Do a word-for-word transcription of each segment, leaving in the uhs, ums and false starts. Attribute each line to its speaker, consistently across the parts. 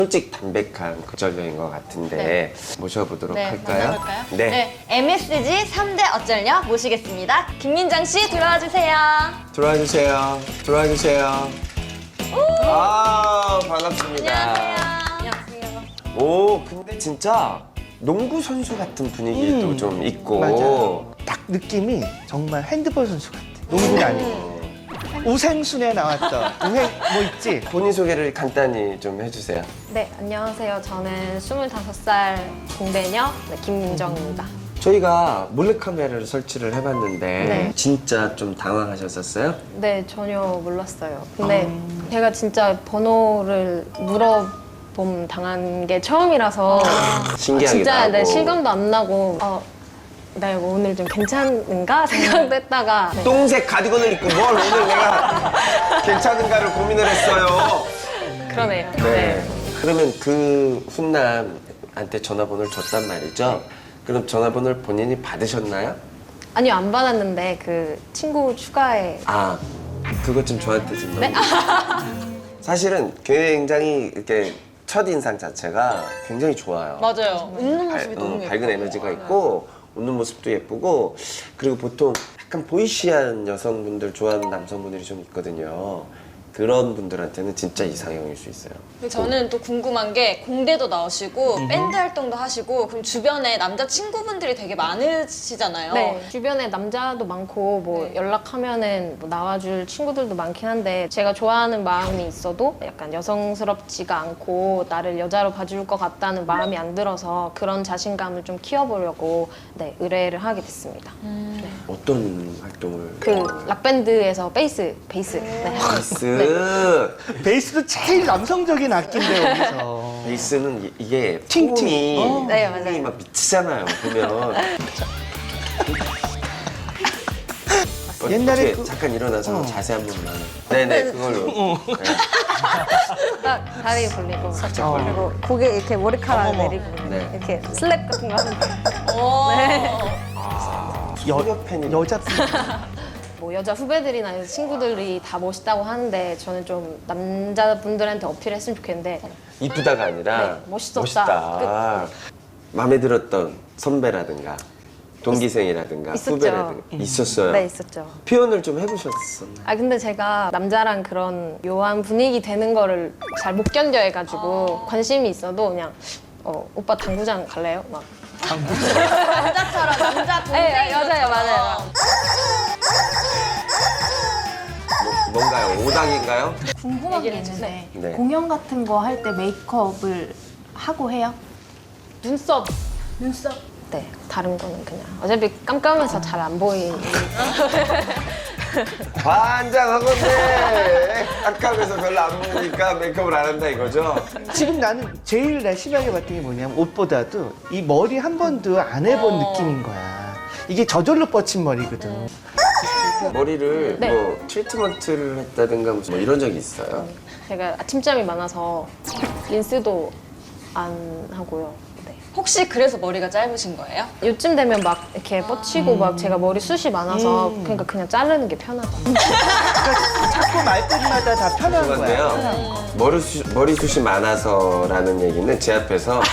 Speaker 1: 솔직 담백한 거절녀인 것 같은데
Speaker 2: 네.
Speaker 1: 모셔보도록
Speaker 2: 네,
Speaker 1: 할까요?
Speaker 2: 만나볼까요?
Speaker 1: 네.
Speaker 2: 네, 엠에스지 삼 대 어쩔녀 모시겠습니다. 김민정 씨 들어와 주세요.
Speaker 1: 들어와 주세요. 들어와 주세요. 아 반갑습니다.
Speaker 2: 안녕하세요.
Speaker 1: 오 근데 진짜 농구 선수 같은 분위기도
Speaker 3: 음,
Speaker 1: 좀 있고.
Speaker 3: 맞아요. 딱 느낌이 정말 핸드볼 선수 같아. 농구는 아니고. 우생순에 나왔던 우행 뭐 있지?
Speaker 1: 본인 소개를 간단히 좀 해주세요.
Speaker 2: 네, 안녕하세요. 저는 스물다섯 살 공대녀 네, 김민정입니다.
Speaker 1: 저희가 몰래카메라를 설치를 해봤는데
Speaker 2: 네.
Speaker 1: 진짜 좀 당황하셨었어요?
Speaker 2: 네, 전혀 몰랐어요. 근데 제가 진짜 번호를 물어봄 당한 게 처음이라서
Speaker 1: 신기하기도
Speaker 2: 진짜
Speaker 1: 하고.
Speaker 2: 네, 실감도 안 나고 어, 나 이거 오늘 좀 괜찮은가 생각도 했다가 네.
Speaker 1: 똥색 가디건을 입고 뭘 오늘 내가 괜찮은가를 고민을 했어요.
Speaker 2: 그러네요.
Speaker 1: 네. 그러면 그 훈남한테 전화번호를 줬단 말이죠. 그럼 전화번호를 본인이 받으셨나요?
Speaker 2: 아니요, 안 받았는데 그 친구 추가에
Speaker 1: 아, 그것 좀 저한테 좀
Speaker 2: 네?
Speaker 1: 넘기세요. 사실은 굉장히 이렇게 첫 인상 자체가 굉장히 좋아요.
Speaker 4: 맞아요. 웃는
Speaker 1: 발-
Speaker 4: 모습이
Speaker 1: 어,
Speaker 4: 너무 예뻐요.
Speaker 1: 밝은 에너지가 있고 웃는 모습도 예쁘고 그리고 보통 약간 보이시한 여성분들 좋아하는 남성분들이 좀 있거든요. 그런 분들한테는 진짜 이상형일 수 있어요.
Speaker 4: 근데 저는 또 궁금한 게 공대도 나오시고 밴드 활동도 하시고 그럼 주변에 남자 친구분들이 되게 많으시잖아요.
Speaker 2: 네, 주변에 남자도 많고 뭐
Speaker 4: 네.
Speaker 2: 연락하면은 뭐 나와줄 친구들도 많긴 한데 제가 좋아하는 마음이 있어도 약간 여성스럽지가 않고 나를 여자로 봐줄 것 같다는 마음이 안 들어서 그런 자신감을 좀 키워보려고 네, 의뢰를 하게 됐습니다.
Speaker 1: 어떤 활동을?
Speaker 2: 그 락밴드에서 베이스, 베이스. 네.
Speaker 1: 베이스.
Speaker 3: 베이스도 제일 남성적인 악기인데 여기서.
Speaker 1: 베이스는 이- 이게
Speaker 3: 팅팅.
Speaker 1: 팅이
Speaker 3: 어.
Speaker 2: 네, 맞아요.
Speaker 1: 팅이 막 미치잖아요. 보면.
Speaker 3: 옛날에
Speaker 1: 어떻게
Speaker 3: 그-
Speaker 1: 잠깐 일어나서
Speaker 3: 어.
Speaker 1: 자세 한 번만. 네네 그걸로. 네.
Speaker 2: 딱 다리 벌리고
Speaker 1: 살짝 벌리고.
Speaker 2: 그리고 고개 이렇게 머리카락
Speaker 3: 어머머.
Speaker 2: 내리고
Speaker 1: 네.
Speaker 2: 이렇게 슬랩 같은 거 하는데
Speaker 4: 오.
Speaker 2: 네.
Speaker 1: 소녀 팬이
Speaker 3: 여자
Speaker 2: 뭐 여자 후배들이나 여자 친구들이 다 멋있다고 하는데 저는 좀 남자분들한테 어필했으면 좋겠는데
Speaker 1: 이쁘다가 아니라
Speaker 2: 네, 멋있었다.
Speaker 1: 멋있다. 마음에 들었던 선배라든가 동기생이라든가
Speaker 2: 있었죠.
Speaker 1: 후배라든가 있었어요.
Speaker 2: 네 있었죠.
Speaker 1: 표현을 좀 해보셨었나요?
Speaker 2: 아 근데 제가 남자랑 그런 묘한 분위기 되는 거를 잘 못 견뎌 해가지고 관심이 있어도 그냥 어, 오빠 당구장 갈래요? 막
Speaker 4: 남자처럼 남자 동생
Speaker 2: 네, 맞아요, 맞아요.
Speaker 1: 뭐, 뭔가요? 오당인가요?
Speaker 5: 궁금한 게
Speaker 2: 얘기를
Speaker 5: 있는데
Speaker 1: 해주세요. 네.
Speaker 5: 공연 같은 거 할 때 메이크업을 하고 해요?
Speaker 2: 눈썹
Speaker 5: 눈썹?
Speaker 2: 네 다른 거는 그냥 어차피 깜깜해서 잘 안 보이는
Speaker 1: 환장하건데 깜깜해서 별로 안 보니까 메이크업을 안 한다 이거죠?
Speaker 3: 지금 나는 제일 나 심하게 봤던 게 뭐냐면 옷보다도 이 머리 한 번도 안 해본
Speaker 4: 어.
Speaker 3: 느낌인 거야. 이게 저절로 뻗친 머리거든.
Speaker 1: 머리를
Speaker 2: 네.
Speaker 1: 뭐 트리트먼트를 했다든가 무슨 뭐 이런 적이 있어요?
Speaker 2: 제가 아침잠이 많아서 린스도 안 하고요. 네.
Speaker 4: 혹시 그래서 머리가 짧으신 거예요?
Speaker 2: 요즘 되면 막 이렇게 뻗치고 막 제가 머리숱이 많아서
Speaker 3: 음.
Speaker 2: 그러니까 그냥 자르는 게 편하더라고요.
Speaker 3: 그러니까 자꾸 말끝마다 다 편한 거야.
Speaker 1: 그런데요. 머리숱, 머리숱이 많아서라는 얘기는 제 앞에서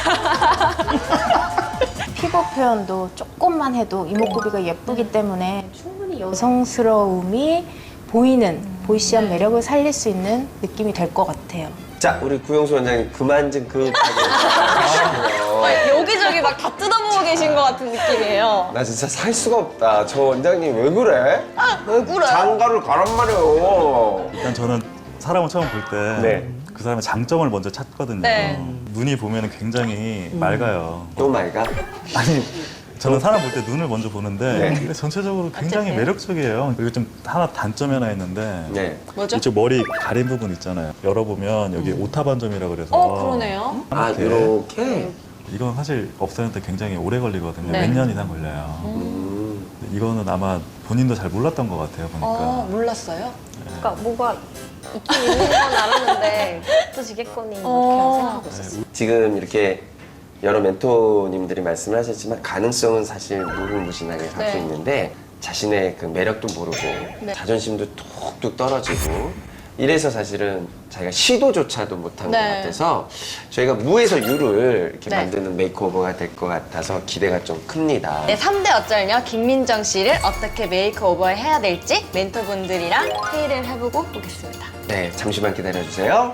Speaker 5: 피부 표현도 조금만 해도 이목구비가 예쁘기 때문에 충분히 여성스러움이 보이는 보이시한 매력을 살릴 수 있는 느낌이 될 것 같아요.
Speaker 1: 자 우리 구용수 원장님 그만 좀 급하게 하시고요.
Speaker 4: 아, 여기저기 막 다 뜯어보고 계신 것 같은 느낌이에요.
Speaker 1: 나 진짜 살 수가 없다. 저 원장님 왜 그래?
Speaker 4: 왜 그래?
Speaker 1: 장가를 가란 말이에요.
Speaker 6: 일단 저는 사람을 처음 볼 때 그
Speaker 1: 네.
Speaker 6: 사람의 장점을 먼저 찾거든요.
Speaker 4: 네.
Speaker 6: 눈이 보면 굉장히 맑아요.
Speaker 1: 또 말가?
Speaker 6: 아니 저는 사람 볼 때 눈을 먼저 보는데
Speaker 1: 네.
Speaker 6: 근데 전체적으로 굉장히
Speaker 4: 어쨌든.
Speaker 6: 매력적이에요. 그리고 좀 하나 단점이 하나 있는데
Speaker 1: 네.
Speaker 4: 뭐죠?
Speaker 6: 이쪽 머리 가린 부분 있잖아요. 열어보면 여기 오타 반점이라 그래서
Speaker 4: 어, 그러네요.
Speaker 1: 아
Speaker 6: 이렇게.
Speaker 1: 이렇게.
Speaker 6: 이건 사실 없애는데 굉장히 오래 걸리거든요.
Speaker 4: 네.
Speaker 6: 몇 년 이상 걸려요.
Speaker 1: 음.
Speaker 6: 근데 이거는 아마 본인도 잘 몰랐던 것 같아요. 보니까.
Speaker 4: 어, 몰랐어요?
Speaker 2: 그러니까 뭐가 있긴 있는 건 알았는데 어떠시겠거니 이렇게
Speaker 4: 어.
Speaker 2: 생각하고 있었어요.
Speaker 1: 지금 이렇게 여러 멘토님들이 말씀을 하셨지만 가능성은 사실 무궁무진하게 갖고
Speaker 4: 네.
Speaker 1: 있는데 자신의 그 매력도 모르고
Speaker 4: 네.
Speaker 1: 자존심도 툭툭 떨어지고 이래서 사실은 자기가 시도조차도 못한
Speaker 4: 네.
Speaker 1: 것 같아서 저희가 무에서 유를 이렇게
Speaker 4: 네.
Speaker 1: 만드는 메이크오버가 될 것 같아서 기대가 좀 큽니다.
Speaker 4: 네, 삼 대 어쩔녀 김민정 씨를 어떻게 메이크오버 해야 될지 멘토분들이랑 회의를 해보고 오겠습니다.
Speaker 1: 네, 잠시만 기다려주세요.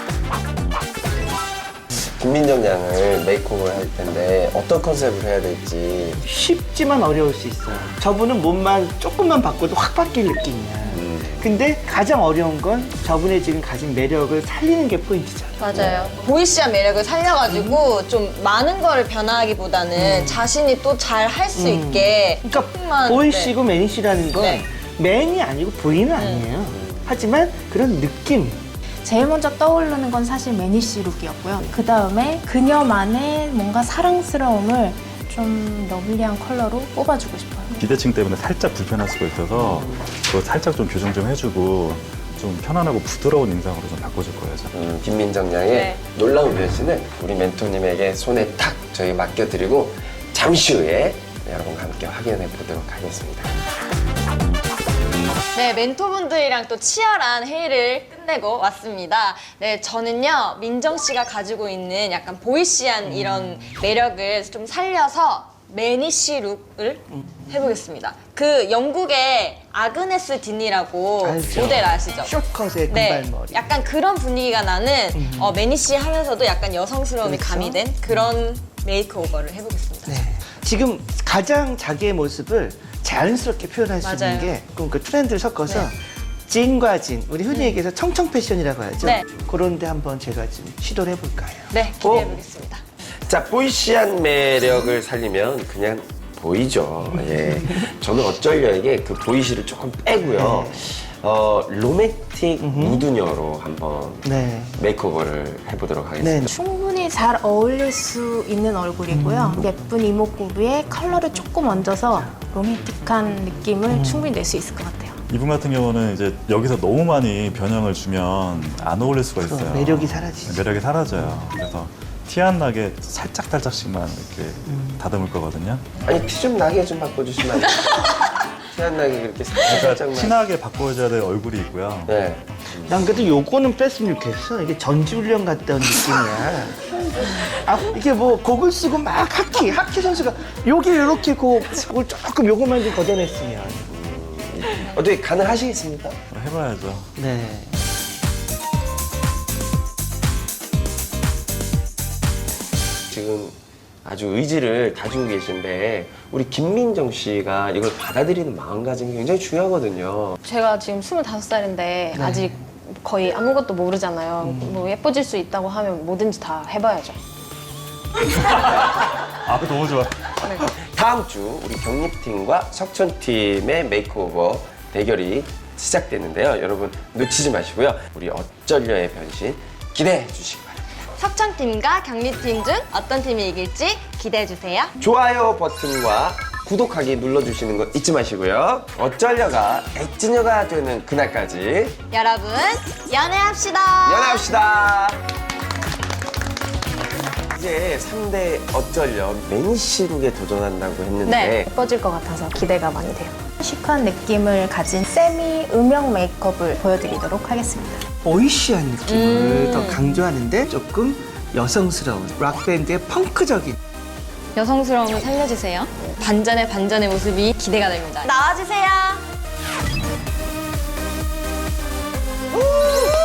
Speaker 1: 김민정 양을 메이크오버를 할 텐데 어떤 컨셉을 해야 될지.
Speaker 3: 쉽지만 어려울 수 있어요. 저분은 몸만 조금만 바꿔도 확 바뀔 느낌이야.
Speaker 1: 음.
Speaker 3: 근데 가장 어려운 건 저분의 지금 가진 매력을 살리는 게 포인트죠.
Speaker 4: 맞아요. 보이시한 매력을 살려가지고 좀 많은 거를 변화하기보다는 자신이 또 잘 할 수
Speaker 3: 음.
Speaker 4: 있게
Speaker 3: 그러니까
Speaker 4: 조금만,
Speaker 3: 보이시고 매니시라는 건
Speaker 4: 네.
Speaker 3: 맨이 아니고 보이는 아니에요. 하지만 그런 느낌.
Speaker 5: 제일 먼저 떠오르는 건 사실 매니시 룩이었고요. 그 다음에 그녀만의 뭔가 사랑스러움을 좀 러블리한 컬러로 뽑아주고 싶어요.
Speaker 6: 기대칭 때문에 살짝 불편할 수가 있어서 그거 살짝 좀 교정 좀 해주고 좀 편안하고 부드러운 인상으로 좀 바꿔줄 거예요. 저는.
Speaker 1: 음, 김민정 양의
Speaker 4: 네.
Speaker 1: 놀라운 변신을 우리 멘토님에게 손에 탁 저희 맡겨드리고 잠시 후에 여러분과 함께 확인해 보도록 하겠습니다.
Speaker 4: 네, 멘토분들이랑 또 치열한 회의를 끝내고 왔습니다. 네, 저는요, 민정 씨가 가지고 있는 약간 보이시한 이런 매력을 좀 살려서 매니시 룩을 해보겠습니다. 그 영국의 아그네스 딘이라고
Speaker 3: 알죠.
Speaker 4: 모델 아시죠?
Speaker 3: 숏컷의
Speaker 4: 네,
Speaker 3: 금발머리.
Speaker 4: 약간 그런 분위기가 나는 어, 매니시 하면서도 약간 여성스러움이
Speaker 3: 그렇죠.
Speaker 4: 가미된 그런 메이크오버를 해보겠습니다.
Speaker 3: 네. 지금 가장 자기의 모습을 자연스럽게 표현할 수
Speaker 4: 맞아요.
Speaker 3: 있는 게 그럼 그 트렌드를 섞어서
Speaker 4: 네.
Speaker 3: 진과 진, 우리 흔히 얘기해서 청청 패션이라고 하죠.
Speaker 4: 네.
Speaker 3: 그런데 한번 제가 좀 시도를 해볼까요?
Speaker 4: 네, 기대해보겠습니다.
Speaker 1: 자, 보이시한 매력을 살리면 그냥 보이죠. 예. 저는 어쩔려에게 그 보이시를 조금 빼고요. 어, 로맨틱 무드녀로 한번
Speaker 3: 네.
Speaker 1: 메이크오버를 해보도록 하겠습니다.
Speaker 3: 네.
Speaker 5: 충분히 잘 어울릴 수 있는 얼굴이고요. 예쁜 이목구비에 컬러를 조금 얹어서 로맨틱한 느낌을 충분히 낼 수 있을 것 같아요.
Speaker 6: 이분 같은 경우는 이제 여기서 너무 많이 변형을 주면 안 어울릴 수가 있어요.
Speaker 3: 그럼 매력이 사라지죠.
Speaker 6: 매력이 사라져요. 그래서 티 안 나게 살짝 살짝씩만 이렇게 다듬을 거거든요.
Speaker 1: 아니, 티 좀 나게 좀 바꿔주시면 안 돼요? 티 안 나게 그렇게
Speaker 6: 그러니까
Speaker 1: 살짝만.
Speaker 6: 티나게 바꿔줘야 될 얼굴이 있고요.
Speaker 1: 네.
Speaker 3: 난 그래도 요거는 뺐으면 좋겠어. 이게 전지훈련 갔다 온 느낌이야. 아, 이게 뭐 곡을 쓰고 막 하키, 하키 선수가 요게 이렇게 곡을 조금 요것만 좀 걷어냈으면.
Speaker 1: 어떻게 가능하시겠습니까?
Speaker 6: 해봐야죠.
Speaker 3: 네.
Speaker 1: 지금 아주 의지를 다지고 계신데 우리 김민정 씨가 이걸 받아들이는 마음가짐이 굉장히 중요하거든요.
Speaker 2: 제가 지금 스물다섯 살인데 아직 거의 아무것도 모르잖아요. 뭐 예뻐질 수 있다고 하면 뭐든지 다 해봐야죠.
Speaker 6: 아, 너무 좋아.
Speaker 1: 다음 주 우리 경립팀과 석천팀의 메이크오버 대결이 시작되는데요. 여러분 놓치지 마시고요. 우리 어쩔려의 변신 기대해 주시기 바랍니다.
Speaker 4: 석천팀과 경리팀 중 어떤 팀이 이길지 기대해주세요.
Speaker 1: 좋아요 버튼과 구독하기 눌러주시는 거 잊지 마시고요. 어쩔려가 액진여가 되는 그날까지
Speaker 4: 여러분, 연애합시다!
Speaker 1: 연애합시다. 이제 삼 대 어쩔려 매니시룩에 도전한다고 했는데
Speaker 4: 네.
Speaker 2: 예뻐질 것 같아서 기대가 많이 돼요.
Speaker 5: 시크한 느낌을 가진 세미 음영 메이크업을 보여드리도록 하겠습니다.
Speaker 3: 보이시한 느낌을 더 강조하는데 조금 여성스러운 락밴드의 펑크적인
Speaker 4: 여성스러움을 살려주세요. 반전의 반전의 모습이 기대가 됩니다. 나와주세요!